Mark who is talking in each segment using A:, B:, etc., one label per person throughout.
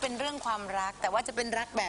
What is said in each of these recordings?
A: เป็นเรื่องความรักแต่ว่าจะเป็นรักแบบ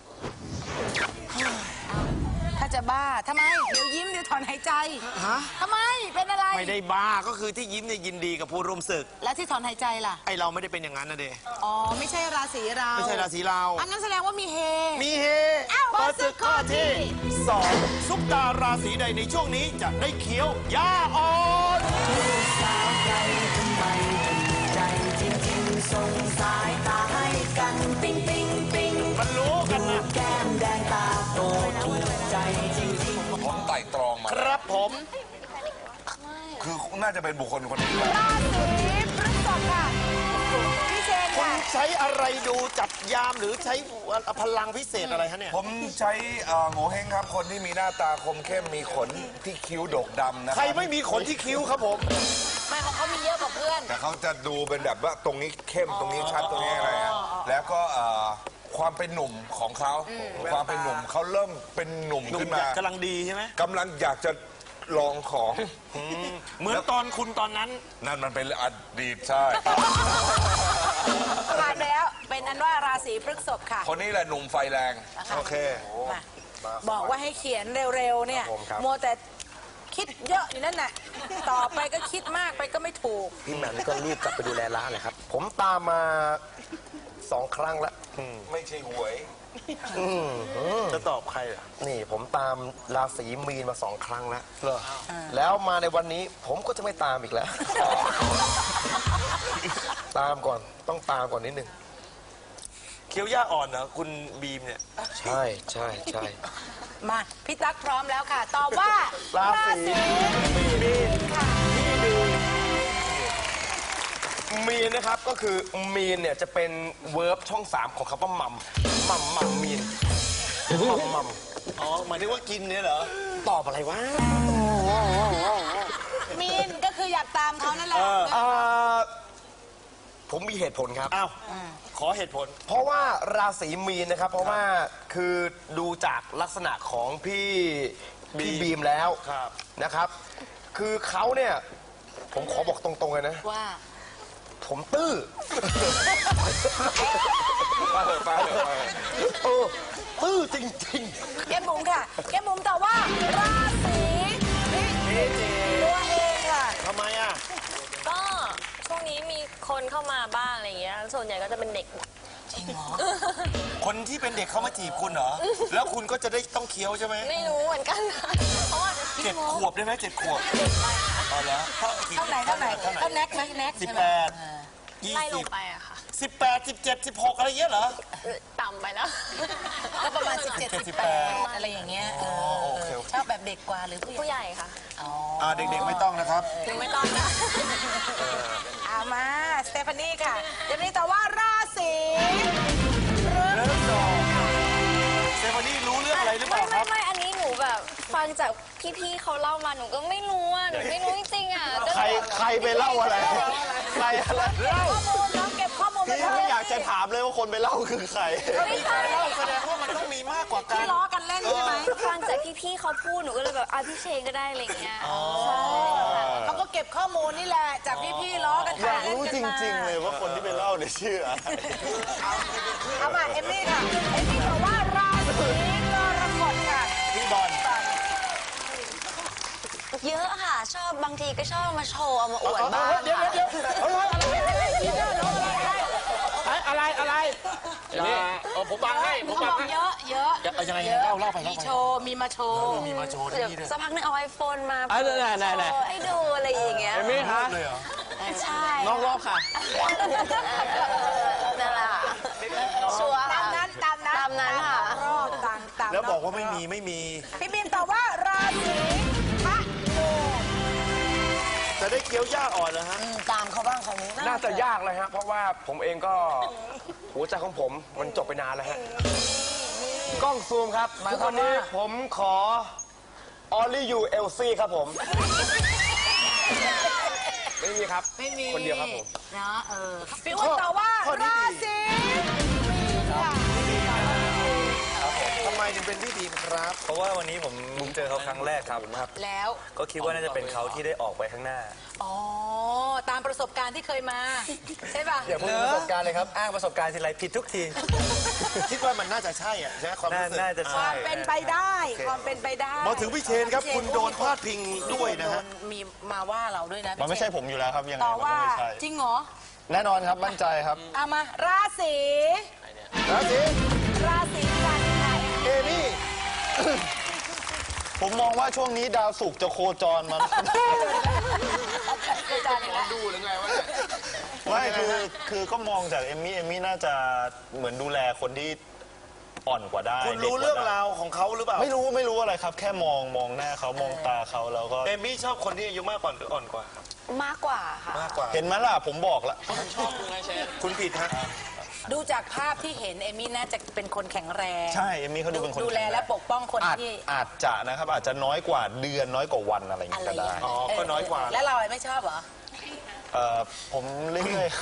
A: ถ้าจะบ้าทำไมเดี๋ยวยิ้มเดี๋ยวถอนหายใจทำไมเป็นอะไร
B: ไม่ได้บ้าก็คือที่ยิ้มเนี่ยยินดีกับผู้ร่วมศึก
A: แล้วที่ถอนหายใจล่ะ
B: ไอเราไม่ได้เป็นอย่างนั้นนะเด
A: อ๋อไม่ใช่ราศีเรา
B: ไม่ใช่ราศีเรา
A: อันนั้นแสดงว่ามีเฮ
B: มีเฮ
A: เปิดศึกข้อที่
B: 2ซุปตาราศีใดในช่วงนี้จะได้เคี้ยวหญ้าอ่อน
C: สาวใจทำไมใจจริงๆส่งสายตาให้กันปิ๊งปิ๊งปิ๊ง
B: มันรู้กันนะ
C: แก้มแดงตาโตถูกใจจริงๆ
D: ผมไต่ตรองมา
B: ครับผม
D: คือน่าจะเป็นบุคคลคนนี้
A: ราศีพฤษภค่ะพี่เชน
B: คุณ
A: ค่ะ
B: ใช้อะไรดูจับยามหรือใช้พลังพิเศษอะไรฮะเนี่ย
D: ผมใช้โง่เฮงครับคนที่มีหน้าตาคมเข้มมีขนที่คิ้วดกดำนะ
B: ใครไม่มีขนที่คิ้วครับผม
A: ไม่ของเขามีเยอะกว่าเพื่อน
D: แต่เขาจะดูเป็นแบบว่าตรงนี้เข้มตรงนี้ชัดตรงนี้อะไรฮะแล้วก็ความเป็นหนุ่มของเขาความเป็นหนุ่มเขาเริ่มเป็นหนุ่มขึ้นมาก
B: ำลังดีใช่ไหม
D: กำลังอยากจะลองของ
B: เหมือนตอนคุณตอนนั้น
D: นั่นมันเป็นอดีตใช่
A: ผ่านไปแล้วเป็นอันว่าราศีพฤษภค่ะ
D: คนนี้แหละหนุ่มไฟแรง
B: โอเค
A: มาบอกว่าให้เขียนเร็วๆเนี่ยโมแต่คิดเยอะอยู่นั่นน่ะต่อไปก็คิดมากไปก็ไม่ถูก
E: พี่แหม่มก็รีบกลับไปดูแลร้านเลยครับ ผมตามมา2 ครั้งแล้ว
D: ไม่ใช่หวย
B: จะตอบใครอ่ะ
E: นี่ผมตามราศีมีนมา2 ครั้งแล้วแล้วมาในวันนี้ผมก็จะไม่ตามอีกแล้ว ตามก่อนต้องตามก่อนนิดนึง
B: เคี้ยวหญ้าอ่อนเหรอคุณบีมเนี่ย
E: ใช่ใช่ใช่
A: มาพี่ตั๊กพร้อมแล้วค่ะ ตอบว่า
E: ราศีมีน
A: ค่ะ
E: ค่ะมีนนะครับก็คือมีนเนี่ยจะเป็นเวิร์บช่อง3ของคำว่ามัมมีนมัม
B: อ๋อหมายถึงว่ากินเนี่ยเหรอ
E: ตอบอะไรวะ
A: มีนก็คืออยากตามเขานั่นแหละ
E: ผมมีเหตุผลครับ
B: อ้าว ขอเหตุผล
E: เพราะว่าราศีมีนนะครับ เพราะว่าคือดูจากลักษณะของพี่บีมแล้ว
B: ครับ
E: นะครับ คือเขาเนี่ยผมขอบอกตรงๆเลยนะ
A: ว่า
E: ผมตื้อ
D: ป้าเลย
E: ตื้อจริง
A: แก้มบุ๋มค่ะแก้มบุ๋มตอบว่าราศีพิจิกตัวเองค่ะ
B: ทำไมอ่ะ
F: ก็ช่วงนี้มีคนเข้ามาบ้างอะไรอย่างเงี้ย ส่วนใหญ่ก็จะเป็นเด็ก
A: จริงเหรอ
B: คนที่เป็นเด็กเขามาจีบคุณเหรอ แล้วคุณก็จะได้ต้องเคี้ยวใช่ไหม
F: ไม่รู้เหมือนกัน เพราะว่า
B: 7 ขวบได้ไหม7 ขวบอ๋อเหรอเท่า
A: เท่าไหนเท่าแน็กไหมแน็กใช่ไหม
F: ไล่ลงไปอะค่ะ
B: 18 17 16อะไรเงี้ยเหรอ
F: ต่ำไปแล้ว
A: ก็ประมาณ17 18อะไรอย่างเงี้ยชอบแบบเด็กกว่าหรือผู้
F: ผู้
A: ใหญ่
F: ใหญ่ค่ะ
B: เด็กๆไม่ต้องนะครับ
F: ถึงไม่ต้องนะ
A: เอามาสเตฟานี่ค่ะเดี๋ยวนี้ตอบว่าราศีพฤษภ
B: เซฟานี่รู้เรื่องอะไรหรือเปล่าครับ
F: ไม่ อันนี้หนูแบบฟังจากพี่ๆเขาเล่ามาหนูก็ไม่รู้อ่ะ หนูไม่รู้จริงๆอ่ะ
E: ใครไปเล่าอะไร ใครอะไรเล่า
A: ข้อมูลน้องเก็บข้อมูลไป
E: พี่ไม่อยากจะถามเลยว่าคนไปเล่าคือใคร
F: ไม่ใช่
B: แสดงว่ามันต้องมีมากกว่ากั
A: ที่
B: น
A: ล้อกันเล่นใช่ไหม
F: ฟังจากพี่ๆเขาพูดหนูก็เลยแบบพี่เชนก็ได้อะไรอย่างเงี้ย ใช่
A: เขาก็เก็บข้อมูลนี่แหละจากพี่ๆล้อกัน
E: อยากรู้จริงๆเลยว่าคนที่ไปเล่าเนี่ยชื่ออะไร
A: เอามาเอมมี่ค่ะเอมมี่บอกว่าราศีกรกฎค่ะ
B: พี่บอล
G: เยอะค่ะ ชอบบางทีก็ชอบมาโชว์เอามาอวดบ้าง
E: เดี๋ยว อะไรผมบังให้ผม
A: เขา
E: บั
A: บ
E: ง
A: อก
E: ให้
A: เยอะเยอะ
B: ยังไงเล่าไป
A: มีโชว์มีมาโชว์
B: มีมาโชว์
G: เดี๋ยว
B: ที่นี่ด้วย
G: สักพักหนึงเอาไอโฟนมา
E: ไหน
G: โชว์ให้ดูอะไรอย่างเงี้ย
E: เอมี่คะ
B: เลยเหรอ
G: ใช่
E: น้องรอบค่ะ
G: นั่นแหละชัวร์
A: ตามนั้น
G: ตามนั้นค่ะ
A: รอบตาม
B: แล้วบอกว่าไม่มี
A: พี่บินตอบว่าราศีพระนู
B: จะได้เคี้ยวหญ้าอ่อนเหรอฮะ
A: ตามเขาบ้างเขานี้
E: น่าจะยากเลยฮะ เพราะว่าผมเองก็หัวใจของผมมันจบไปนานแล้วฮะ กล้องซูมครับทุกวันนี้ผมขอ Only You Elsie ครับผม ไม่มีครับ
A: ไม่มี
E: คนเดียวครับผม
A: เนาะพี่อ้วนตอบว่าราศีมีนค่ะ
B: ทำไมถึงเป็นพี่บีมครับ
H: เพราะว่าวันนี้ผมเจอเขาครั้งแรกครับ
A: แล้ว
H: ก็คิดว่าน่าจะเป็นเขาที่ได้ออกไปข้างหน้า
A: อ๋อตามประประสบการณ์ที่เคยมาใช่ป่ะ
E: อย่าพูดถึงประสบการณ์เลยครับ อ้างประสบการณ์ทีไรผิดทุกที
B: คิดว่ามันน่าจะใช่อ่ะใช่ไหมความรู้สึก
E: น่าจะ
A: ค
E: ใช่
A: วามเป็นไปได้ความเป็นไปได้
B: มาถึงพี่เชนครับคุณโดนพาดพิงด้วยนะฮะ
A: มีมาว่าเราด้วยนะ
H: มันไม่ใช่ผมอยู่แล้วครับยังไง
A: ต่อ
H: มัน
A: ว่า
H: ก็ไม่ใช่
A: จริงเหรอ
H: แน่นอนครับมั่นใจครับ
A: เอามาราศีกันค่ะ
H: เอมี่ ผมมองว่าช่วงนี้ดาวศุกร์จะโคจรมา
A: อาจารย์อีกแล้ว
E: ดูหรือไงวะเนี่ย
H: ไม่คือก็มองจากเอมี่น่าจะเหมือนดูแลคนที่อ่อนกว่าได้
B: คุณรู้เรื่องราวของเขาหรือเปล่า
H: ไม่รู้อะไรครับ แค่มองหน้าเขามองตาเขาแล้วก็
B: เอมี่ชอบคนที่อายุมากกว่าหรืออ่อนกว่าครับ
G: มากกว่าค่ะ
B: มากกว่า
H: เห็นไหมล่ะผมบอกแล้ว
B: คุณผิดฮะ
A: ดูจากภาพที่เห็นเอมี่น่าจะเป็นคนแข็งแรง
H: ใช่เอมี่เขาดูเป็นคน
A: ดูแลและปกป้องคน
H: อาจ
A: ที่
H: อาจจะนะครับอาจจะน้อยกว่าเดือนน้อยกว่าวันอะไรอย่าง
A: อะ
H: เงี้ย
A: ไร
H: ก็
A: อย่าง
H: ได้
A: เงี้ย
B: อ๋อก็น้อยกว่า
A: แล้วเราไม่ชอบเหรอ
H: ผมเรื่อยๆครับ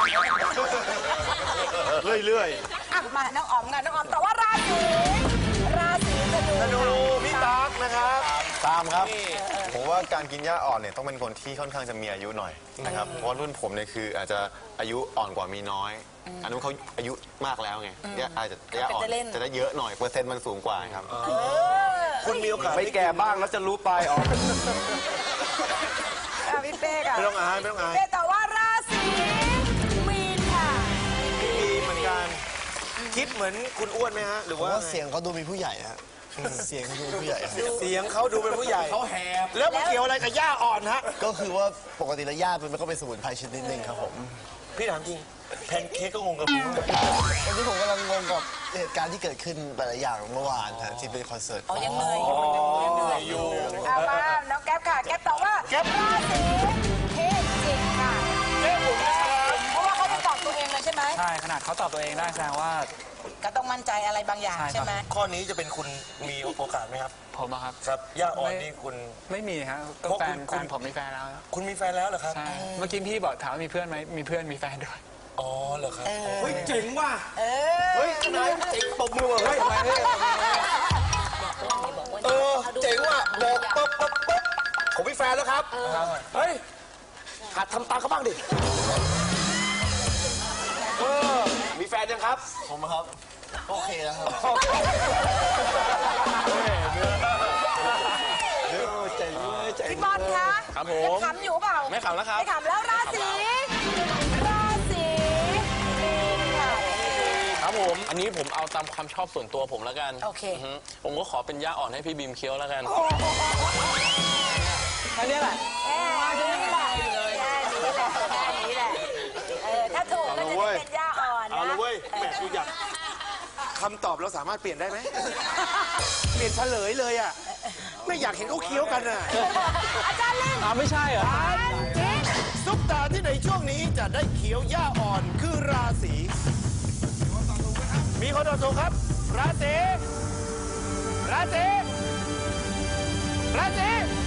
B: เรื่อย
A: อ่ะมาน้องอ๋อมกันน้องอ๋อมแต่ว่าราศีธนู
B: ๆธนูพี่ตั๊กนะครับ
H: ตามครับ
I: ผมว่าการกินหญ้าอ่อนเนี่ยต้องเป็นคนที่ค่อนข้างจะมีอายุหน่อยนะครับ เพราะว่ารุ่นผมเนี่ยคืออาจจะอายุอ่อนกว่ามีน้อย อันนั้นเขาอายุมากแล้วไงอาจจะหญ้าอ่อนจะได้เยอะหน่อยเปอร์เซ็นต์มันสูงกว่าครับ
B: คุณมีโอกาส
E: ไม่แก่บ้างแล้วจะรู้ปลายออก
A: อ่ะพี่เป้ค่ะ
B: ไม่ต้องอายไม่ต้องอาย
A: เป้แต่ว่าราศีมีนค่ะ
B: มีเหมือนกัน คิดเหมือนคุณอ้วนไหมฮะ หรือ
J: ผม
B: ว่า
J: ว่าเสียงเขาดูมีผู้ใหญ่ฮะเสียงเขาดูมีผู้ใหญ่ฮะ
B: เสียงเขาดูเป็นผู้ใหญ่เขาแหบแล้วมันเกี่ยวอะไรกับหญ้าอ่อนฮะ
J: ก็คือว่าปกติแล้วย่ามันก็เป็นสมุนไพรชนิดหนึ่งครับผม
B: พี่ถามจริงแพนเค้กก็งงกับผม
J: วันนี้ผมกำลังงงกับเหตุการณ์ที่เกิดขึ้นหลายๆอย่างเมื่อวานฮะที่เป็นคอนเสิร์ต
A: อ๋อยังเหนื่อยอยู่ยังเหนื่อยอยู่เอามาน้องแก๊ปค่ะ แก๊ปตอบว่าราศีเทพจิกค่ะเพราะว่าเขาไม่ตอบตัวเองเลยใช่ไหม
K: ใช่ขนาดเขาตอบตัวเองได้แสดงว่า
A: ก็ต้องมั่นใจอะไรบางอย่างใช่ไหม
B: ข้อนี้จะเป็นคุณมีโอกาสไหมครับ
K: ผมอะครับ
B: ครับหญ้าอ่อนนี่คุณ
K: ไม่มีครับก็
B: เพราะ
K: แฟ
B: คุณ
K: นผมมีแฟนแล้ว
B: คุณมีแฟนแล้วเหรอครับ
K: ใช่เมื่อกี้พี่บอกถามว่ามีเพื่อนไหมมีเพื่อนมีแฟนด้วย
B: อ๋อเหรอครับเฮ้ยเจ๋งว่ะ
A: เออ
B: เฮ้ยนายเจ๋งตบมือว่ะเฮ้ยเจ๋งว่ะบอกปุ๊บผมมีแฟนแล้วครับเฮ้ยหัดทำตามเขาบ้างดิมีแฟนยังครับ
J: ผมครับโอเคแล้วครับ
A: พี่บอลคะ
E: ครับผม
A: ยังขำอยู่เปล่า
E: ไม่ขำแล้วครับ
A: ไม่ขำแล้วราศีมีนค่ะ
L: ครับผม อันนี้ผมเอาตามความชอบส่วนตัวผมแล้วกัน
A: โอเค
L: ผมก็ขอเป็นย่าอ่อนให้พี่บีมเคี้ยวแล้วกัน
K: แค่นี้แหละ
A: แค่นี้แหละแค่นี้แหละถ้าถูกก็จะได้เป็นย่าอ่อน
B: เอา
A: นะ
B: ละเว้ยแหมกูอยากคำตอบเราสามารถเปลี่ยนได้ไหมเปลี่ยนเฉลยเลยอ่ะไม่อยากเห็นเขาเคี้ยวกันอ่ะ
A: อาจารย์ลิง
K: ไม่ใช่เหรอ
B: ซุปตาที่ในช่วงนี้จะได้เขียวหญ้าอ่อนคือราศีมีคนตอบถูกครับ ราศี